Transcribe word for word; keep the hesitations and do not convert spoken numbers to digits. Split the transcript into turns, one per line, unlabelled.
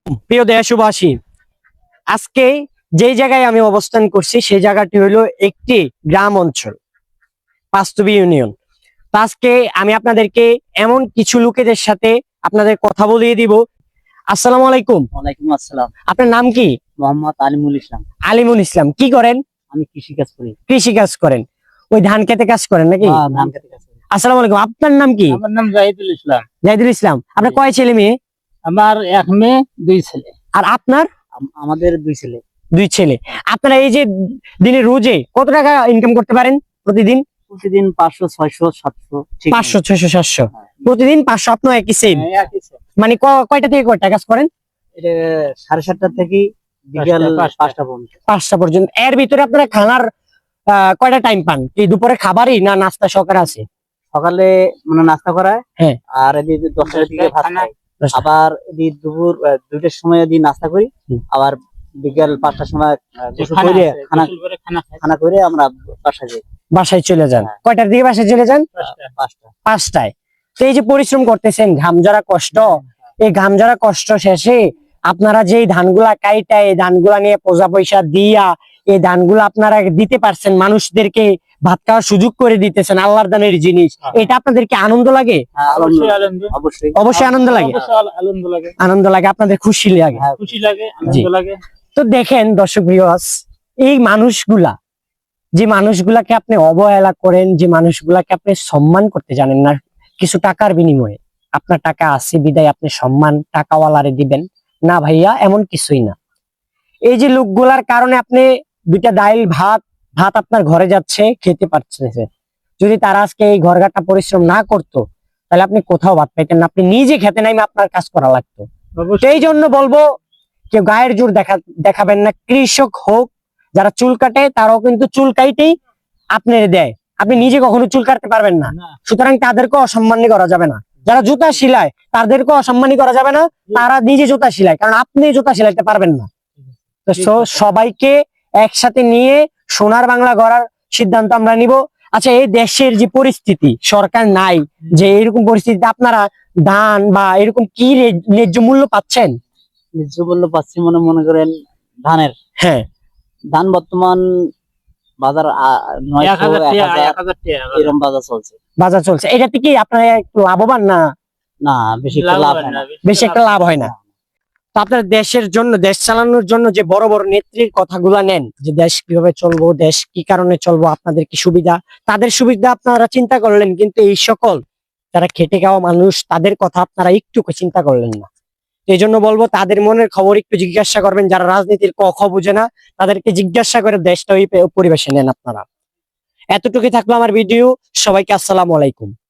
প্রিয় দেশবাসী, আজকে যেই জায়গায় আমি অবস্থান করছি সেই জায়গাটি হলো একটি গ্রাম অঞ্চল, পাঁচতবি ইউনিয়ন। তো আজকে আমি আপনাদেরকে এমন কিছু লোকেদের সাথে আপনাদের কথা বলিয়ে দিব। আসসালামু আলাইকুম।
ওয়ালাইকুম আসসালাম।
আপনার নাম কি?
মোহাম্মদ আলিমুল ইসলাম।
আলিমুল ইসলাম। কি করেন?
আমি কৃষি কাজ করি।
কৃষি কাজ করেন? ওই ধান খেতে কাজ করেন নাকি?
হ্যাঁ, ধান খেতে কাজ করি।
আসসালামু আলাইকুম। আপনার নাম কি?
আমার নাম জাহিদুল ইসলাম।
জাহিদুল ইসলাম। আপনার কয় ছেলে মেয়ে?
আমার এক মেয়ে, দুই ছেলে।
আর আপনার?
আম- আমাদের দুই ছেলে।
দুই ছেলে। আপনারা এই যে দিনে রোজে কত টাকা ইনকাম করতে পারেন প্রতিদিন?
প্রতিদিন পাঁচশো, ছয়শো, সাতশো। ঠিক
পাঁচশো, ছয়শো, সাতশো
হ্যাঁ।
প্রতিদিন। পাঁচশো। আপনার একই সেম?
হ্যাঁ, একই same।
মানে ক- কয়টা থেকে কয়টা কাজ করেন?
এটা সাড়ে সাতটা থেকে বিকাল
পাঁচটা,
পাঁচটা পর্যন্ত।
পাঁচটা পর্যন্ত। এর ভিতরে আপনারা খানার আহ, কয়টা টাইম পান? কি দুপুরে খাবারই না নাস্তা সহকারে আছে?
সকালে মানে নাস্তা করায়,
হ্যাঁ।
আর এদিকে দশটার দিকে ভাত
খানা।
খাই।
দশটা।
আবার এদিকে দুপুর আহ, দুইটার সময় এদিকে নাস্তা করি।
হুম।
আবার বিকাল পাঁচটার সময় আহ,
যে
গোসল
খানা
করে
আছে,
খানা
গোসল করে খানা খাই।
খানা করে আমরা বাসায় যাই।
বাসায় চলে যান?
হ্যাঁ।
কয়টার দিকে বাসায় চলে যান?
পাঁচটা।
পাঁচটা।
পাঁচটায়। তো এই যে পরিশ্রম করতেছেন, ঘাম ঝরা কষ্ট, এই ঘাম ঝরা কষ্ট শেষে আপনারা যে ধানগুলা কাইটা এই ধানগুলা নিয়ে পয়সা পয়সা দিয়া এই ধানগুলো আপনারা দিতে পারছেন, মানুষদেরকে ভাত খাওয়ার সুযোগ করে দিতেছেন, আল্লাহর দানের জিনিস।
হ্যাঁ।
এটা আপনাদেরকে আনন্দ লাগে?
হ্যাঁ,
অবশ্যই
আলহামদুলিল্লাহ।
আনন্দ।
অবশ্যই।
অবশ্যই আনন্দ লাগে।
অবশ্যই আল- আনন্দ লাগে।
আনন্দ লাগে, আপনাদের খুশি লাগে।
হ্যাঁ,
খুশি লাগে, আনন্দ লাগে।
তো দেখেন দর্শক ভিউয়ার্স, এই মানুষগুলা, যে মানুষগুলাকে আপনি অবহেলা করেন, যে মানুষগুলাকে আপনি সম্মান করতে জানেন না, কিছু টাকার বিনিময়ে আপনার টাকা আছে বিদায় আপনি সম্মান টাকাওয়ালারে দিবেন না? ভাইয়া, এমন কিছুই না। এই যে লোকগুলার কারণে আপনি দুইটা ডাইল ভাত ভাত আপনার ঘরে যাচ্ছে, খেতে পারছেন। যদি তারা আজকে এই ঘরঘাটটা পরিশ্রম না করতো তাহলে আপনি কোথাও ভাত পাইতেন না, আপনি নিজে খেতে নাইমে আপনার কাজ করা লাগতো।
অবশ্যই।
এই জন্য বলবো, কেউ গায়ের জোর দেখা দেখাবেন না। কৃষক হোক, যারা চুল কাটে তারাও কিন্তু চুল কাইটেই আপনার দেয়, আপনি নিজে কখনো চুল কাটতে পারবেন না।
না।
সুতরাং তাদেরকে অসম্মানী করা যাবে না। যারা জুতা সিলায় তাদেরকে অসম্মানী করা যাবে না, তারা নিজে জুতা সিলায়, কারণ আপনি জুতা সিলাইতে পারবেন না। তো স- সবাইকে একসাথে নিয়ে সোনার বাংলা গড়ার সিদ্ধান্ত আমরা নিব। আচ্ছা, এই দেশের যে পরিস্থিতি, সরকার নাই, যে এরকম পরিস্থিতিতে আপনারা ধান বা এরকম কি রে- ন্যায্য মূল্য পাচ্ছেন?
ন্যায্য মূল্য পাচ্ছি মনে মনে করেন ধানের।
হ্যাঁ।
ধান বর্তমান বাজার আ-
এক
নয়শো,
হাজার
এক
টাকা,
হাজার
এক হাজার টাকা।
এরকম বাজার চলছে।
বাজার চলছে, এটাতে কি আপনারা একটু লাভবান না?
না, বেশি একটা
লাভ
লাভ
হয়
হয়
না,
না।
বেশি একটা লাভ হয় না। তো আপনার দেশের জন্য, দেশ চালানোর জন্য যে বড় বড় নেত্রীর কথাগুলা নেন, যে দেশ কিভাবে চলবো, দেশ কি কারণে চলবো, আপনাদের কি সুবিধা, তাদের সুবিধা আপনারা চিন্তা করলেন, কিন্তু এই সকল যারা খেটে খাওয়া মানুষ তাদের কথা আপনারা একটু চিন্তা করলেন না। এই জন্য বলবো, তাদের মনের খবর একটু জিজ্ঞাসা করবেন। যারা রাজনীতির ক খ বুঝে না তাদেরকে জিজ্ঞাসা করে দেশটা ওই পরিবেশে নেন আপনারা। এতটুকু থাকলো আমার ভিডিও। সবাইকে আসসালামু আলাইকুম।